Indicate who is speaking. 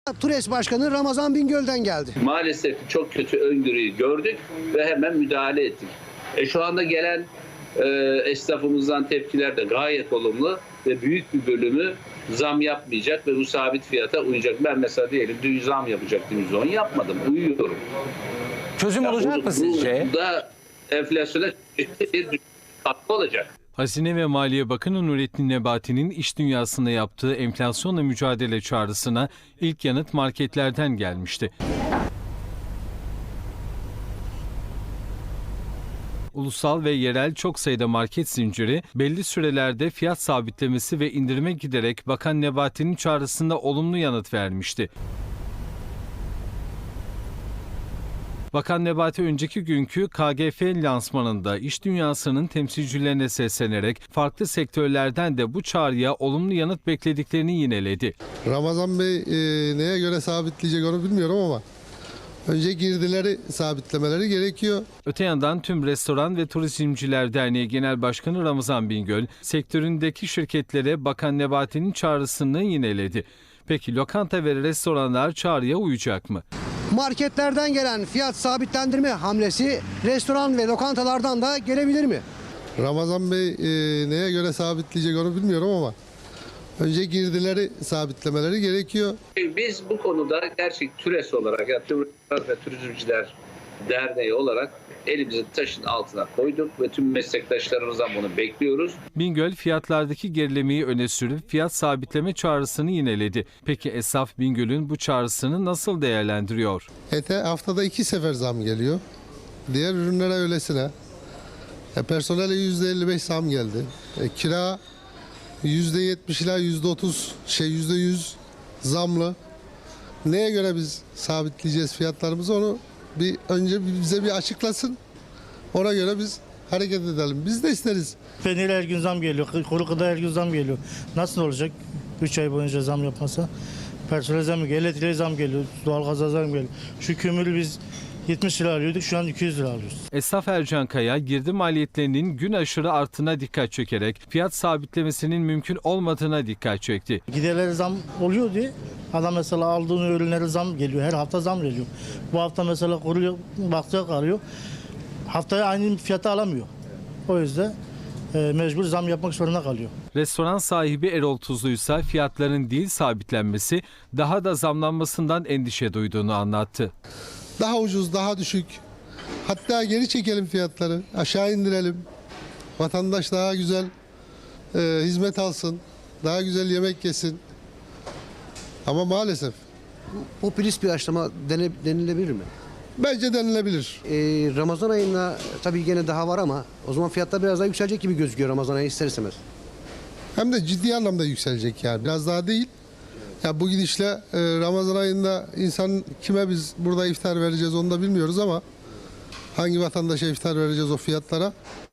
Speaker 1: TURES Başkanı Ramazan Bingöl'den geldi.
Speaker 2: Maalesef çok kötü öngörüyü gördük ve hemen müdahale ettik. Şu anda gelen esnafımızdan tepkiler de gayet olumlu ve büyük bir bölümü zam yapmayacak ve bu sabit fiyata uyacak. Ben mesela diyelim dün zam yapacaktım, %10 yapmadım, uyuyorum.
Speaker 3: Çözüm olacak mı sizce?
Speaker 2: Bu da enflasyona bir katkı olacak.
Speaker 4: Hazine ve Maliye Bakanı Nurettin Nebati'nin iş dünyasında yaptığı enflasyonla mücadele çağrısına ilk yanıt marketlerden gelmişti. Ulusal ve yerel çok sayıda market zinciri belli sürelerde fiyat sabitlemesi ve indirime giderek Bakan Nebati'nin çağrısında olumlu yanıt vermişti. Bakan Nebati önceki günkü KGF lansmanında iş dünyasının temsilcilerine seslenerek farklı sektörlerden de bu çağrıya olumlu yanıt beklediklerini yineledi.
Speaker 5: Ramazan Bey neye göre sabitleyecek onu bilmiyorum ama önce girdileri sabitlemeleri gerekiyor.
Speaker 4: Öte yandan tüm Restoran ve Turizmciler Derneği Genel Başkanı Ramazan Bingöl, sektöründeki şirketlere Bakan Nebati'nin çağrısını yineledi. Peki lokanta ve restoranlar çağrıya uyacak mı?
Speaker 1: Marketlerden gelen fiyat sabitlendirme hamlesi restoran ve lokantalardan da gelebilir mi?
Speaker 5: Ramazan Bey neye göre sabitleyecek onu bilmiyorum ama önce girdileri sabitlemeleri gerekiyor.
Speaker 2: Biz bu konuda gerçek TURES olarak, yani Restoran ve Turizmciler Derneği olarak elimizi taşın altına koyduk ve tüm meslektaşlarımızdan bunu bekliyoruz.
Speaker 4: Bingöl fiyatlardaki gerilemeyi öne sürüp fiyat sabitleme çağrısını yineledi. Peki esnaf Bingöl'ün bu çağrısını nasıl değerlendiriyor?
Speaker 5: Ete haftada 2 sefer zam geliyor. Diğer ürünlere öylesine. Personele %55 zam geldi. Kira %70 ila %30 %100 zamlı. Neye göre biz sabitleyeceğiz fiyatlarımızı onu önce bize bir açıklasın. Ona göre biz hareket edelim. Biz de isteriz.
Speaker 6: Peynir her gün zam geliyor. Kuru gıda her gün zam geliyor. Nasıl olacak? 3 ay boyunca zam yapmasa. Personel zam geliyor. Elektriğe zam geliyor. Doğalgaza zam geliyor. Şu kömürü biz 70 lira alıyorduk. Şu an 200 lira alıyoruz.
Speaker 4: Esnaf Ercan Kaya, girdi maliyetlerinin gün aşırı artına dikkat çekerek fiyat sabitlemesinin mümkün olmadığına dikkat çekti.
Speaker 6: Giderlere zam oluyor diye adam mesela aldığın ürünlere zam geliyor. Her hafta zam geliyor. Bu hafta mesela kuruyor, bakacak alıyor. Haftaya aynı fiyata alamıyor. O yüzden mecbur zam yapmak zorunda kalıyor.
Speaker 4: Restoran sahibi Erol Tuzlu ise fiyatların değil sabitlenmesi, daha da zamlanmasından endişe duyduğunu anlattı.
Speaker 5: Daha ucuz, daha düşük. Hatta geri çekelim fiyatları, aşağı indirelim. Vatandaş daha güzel hizmet alsın, daha güzel yemek yesin. Ama maalesef.
Speaker 1: Popülist bir açıklama denilebilir mi?
Speaker 5: Bence denilebilir.
Speaker 1: Ramazan ayında tabii gene daha var ama o zaman fiyatlar biraz daha yükselecek gibi gözüküyor Ramazan ayı ister istemez.
Speaker 5: Hem de ciddi anlamda yükselecek yani. Biraz daha değil. Ya bu gidişle Ramazan ayında insan kime biz burada iftar vereceğiz onu da bilmiyoruz ama hangi vatandaşa iftar vereceğiz o fiyatlara?